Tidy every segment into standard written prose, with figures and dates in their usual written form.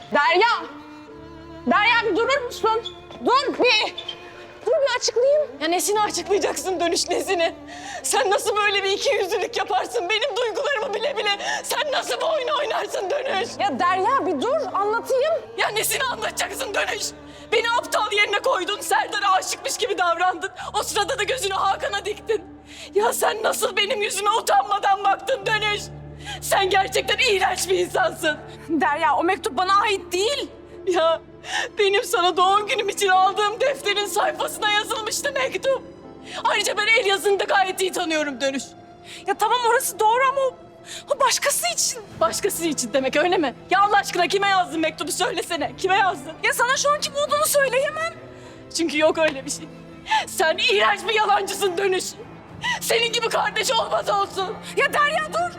Derya! Derya bir durur musun? Dur bir açıklayayım. Ya nesini açıklayacaksın Dönüş, nesini? Sen nasıl böyle bir ikiyüzlülük yaparsın benim duygularımı bile bile? Sen nasıl bu oyunu oynarsın Dönüş? Ya Derya bir dur anlatayım. Ya nesini anlatacaksın Dönüş? Beni aptal yerine koydun, Serdar'a aşıkmış gibi davrandın. O sırada da gözünü Hakan'a diktin. Ya sen nasıl benim yüzüme utanmadan baktın Dönüş? Sen gerçekten iğrenç bir insansın. Derya o mektup bana ait değil. Ya benim sana doğum günüm için aldığım defterin sayfasına yazılmıştı mektup. Ayrıca ben el yazını da gayet iyi tanıyorum Dönüş. Ya tamam orası doğru ama o başkası için. Başkası için demek öyle mi? Ya Allah aşkına kime yazdın mektubu söylesene. Kime yazdın? Ya sana şu an kim olduğunu söyleyemem. Çünkü yok öyle bir şey. Sen iğrenç bir yalancısın Dönüş. Senin gibi kardeş olmaz olsun. Ya Derya dur.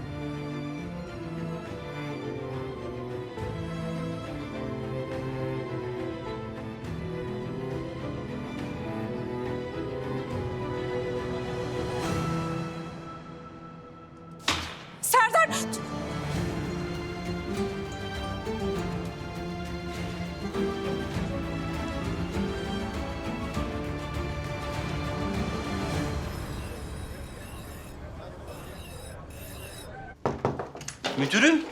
Serdar. Müdürüm.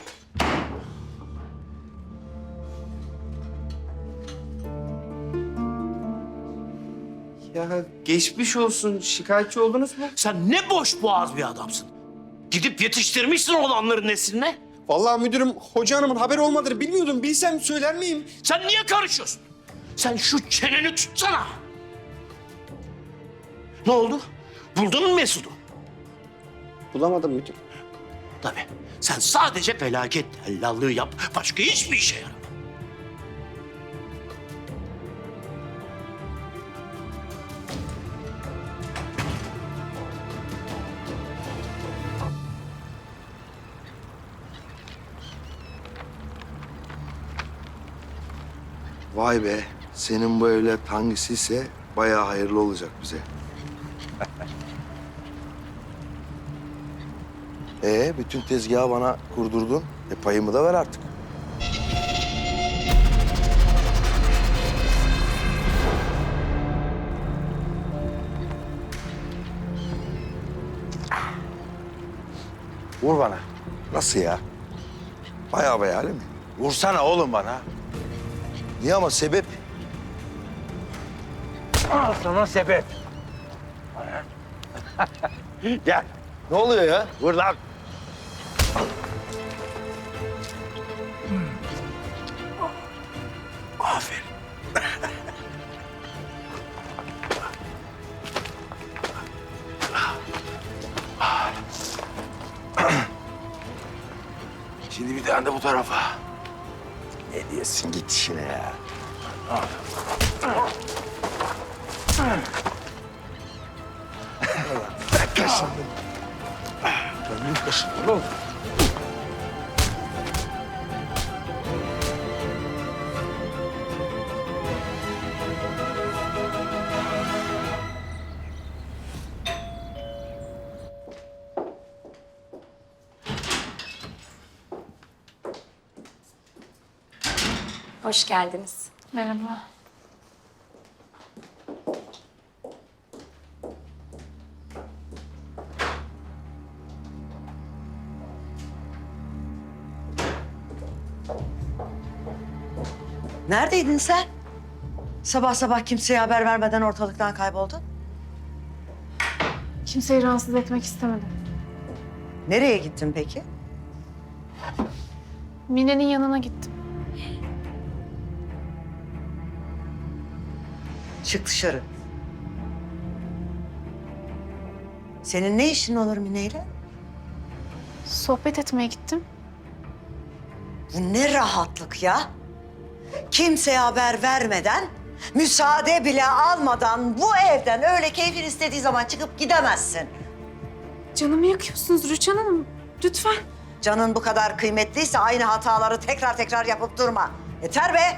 Ya geçmiş olsun. Şikayetçi oldunuz mu? Sen ne boş boğaz bir adamsın. Gidip yetiştirmişsin olanların nesline. Vallahi müdürüm hoca hanımın haberi olmadığını bilmiyordum. Bilsem söyler miyim? Sen niye karışıyorsun? Sen şu çeneni tutsana. Ne oldu? Buldun mu Mesut'u? Bulamadım müdür. Tabii. Sen sadece felaket tellallığı yap. Başka hiçbir işe yaramaz. Vay be, senin bu evlat hangisiyse bayağı hayırlı olacak bize. Bütün tezgahı bana kurdurdun. Payımı da ver artık. Vur bana. Nasıl ya? Bayağı öyle mi? Vursana oğlum bana. Niye ama sebep? Al sana sebep. Gel. Ne oluyor ya? Vur lan. Aferin. Şimdi bir tane de bu tarafa. Ne diyorsun git işine ya. Ben kaşındım. Ben büyük kaşındım oğlum. Hoş geldiniz. Merhaba. Neredeydin sen? Sabah sabah kimseye haber vermeden ortalıktan kayboldun. Kimseyi rahatsız etmek istemedim. Nereye gittin peki? Mine'nin yanına gittim. Çık dışarı. Senin ne işin olur Mine'yle? Sohbet etmeye gittim. Bu ne rahatlık ya? Kimseye haber vermeden, müsaade bile almadan bu evden öyle keyfin istediği zaman çıkıp gidemezsin. Canımı yakıyorsunuz Rüçhan Hanım. Lütfen. Canın bu kadar kıymetliyse aynı hataları tekrar tekrar yapıp durma. Yeter be!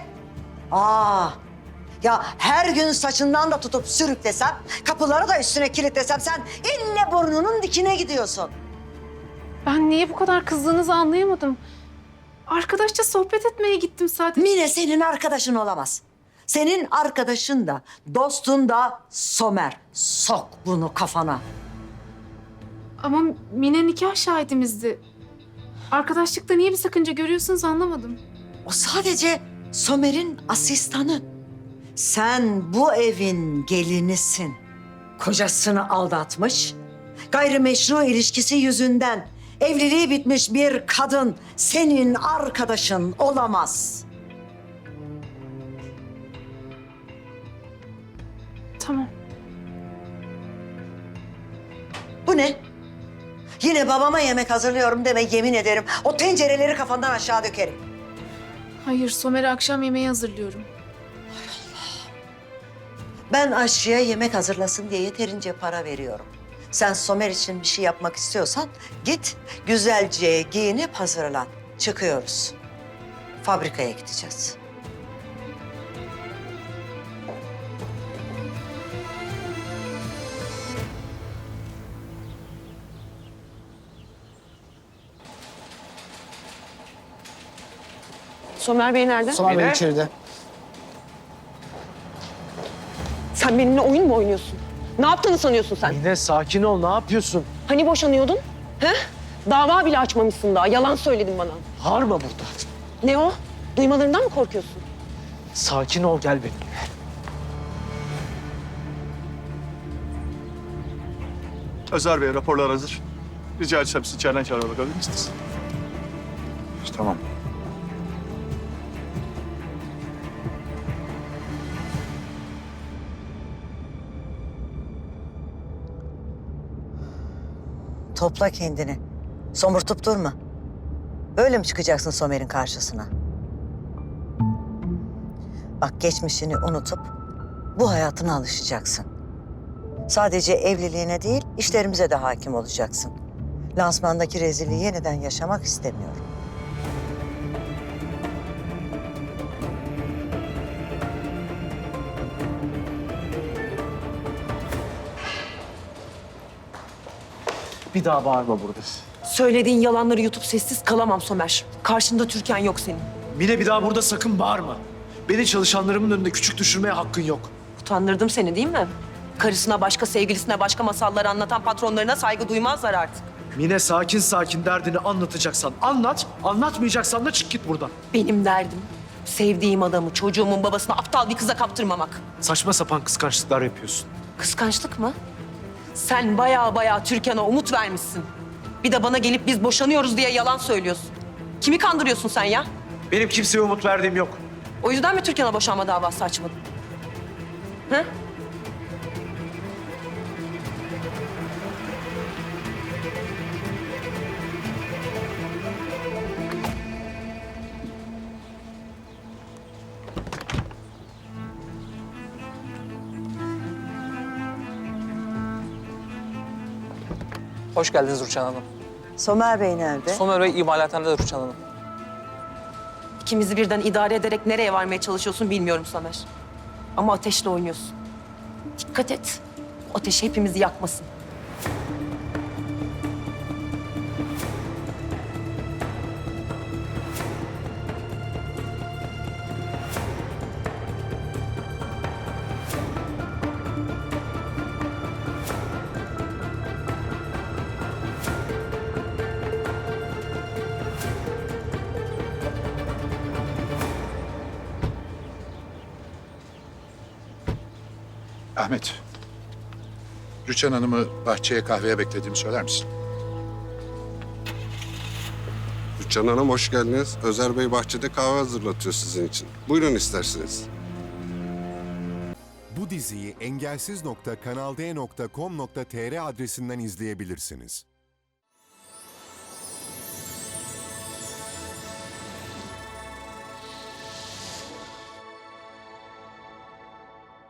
Ya her gün saçından da tutup sürüklesem, kapıları da üstüne kilitlesem sen ille burnunun dikine gidiyorsun. Ben niye bu kadar kızdığınızı anlayamadım. arkadaşça sohbet etmeye gittim sadece. Mine senin arkadaşın olamaz. Senin arkadaşın da, dostun da Somer. Sok bunu kafana. Ama Mine nikah şahidimizdi. Arkadaşlıkta niye bir sakınca görüyorsunuz anlamadım. O sadece Somer'in asistanı. Sen bu evin gelinisin. Kocasını aldatmış, gayrimeşru ilişkisi yüzünden evliliği bitmiş bir kadın senin arkadaşın olamaz. Tamam. Bu ne? Yine babama yemek hazırlıyorum deme, yemin ederim. O tencereleri kafandan aşağı dökerim. Hayır, Somer'e akşam yemeği hazırlıyorum. Ben aşçıya yemek hazırlasın diye yeterince para veriyorum. Sen Somer için bir şey yapmak istiyorsan git güzelce giyinip hazırlan. Çıkıyoruz. Fabrikaya gideceğiz. Somer Bey nerede? Somer Bey içeride. Sen benimle oyun mu oynuyorsun? Ne yaptığını sanıyorsun sen? Mine sakin ol, ne yapıyorsun? Hani boşanıyordun? He? Dava bile açmamışsın daha. Yalan söyledin bana. Bağırma burada. Ne o? Duymalarından mı korkuyorsun? Sakin ol, gel benimle. Özer Bey, raporlar hazır. Rica etsem sizi içeriden çağırmaya bakabilir misiniz? Tamam. Topla kendini. Somurtup durma. Böyle mi çıkacaksın Somer'in karşısına? Bak geçmişini unutup bu hayatına alışacaksın. Sadece evliliğine değil, işlerimize de hakim olacaksın. Lansmandaki rezilliği yeniden yaşamak istemiyorum. Bir daha bağırma burada. Söylediğin yalanları yutup sessiz kalamam Somer. Karşında Türkan yok senin. Mine bir daha burada sakın bağırma. Beni çalışanlarımın önünde küçük düşürmeye hakkın yok. Utandırdım seni değil mi? Karısına başka, sevgilisine başka masalları anlatan patronlarına saygı duymazlar artık. Mine sakin sakin derdini anlatacaksan anlat, anlatmayacaksan da çık git buradan. Benim derdim sevdiğim adamı, çocuğumun babasını aptal bir kıza kaptırmamak. Saçma sapan kıskançlıklar yapıyorsun. Kıskançlık mı? Sen baya Türkan'a umut vermişsin. Bir de bana gelip biz boşanıyoruz diye yalan söylüyorsun. Kimi kandırıyorsun sen ya? Benim kimseye umut verdiğim yok. O yüzden mi Türkan'a boşanma davası açmadın? Hı? Hoş geldiniz Rüçhan Hanım. Somer Bey nerede? Somer Bey imalathanede Rüçhan Hanım. İkimizi birden idare ederek nereye varmaya çalışıyorsun bilmiyorum Somer. Ama ateşle oynuyorsun. Dikkat et. O ateş hepimizi yakmasın. Ahmet, Rüçhan Hanım'ı bahçeye kahveye beklediğimi söyler misin? Rüçhan Hanım hoş geldiniz. Özer Bey bahçede kahve hazırlatıyor sizin için. Buyurun isterseniz. Bu diziyi engelsiz.kanalde.com.tr adresinden izleyebilirsiniz.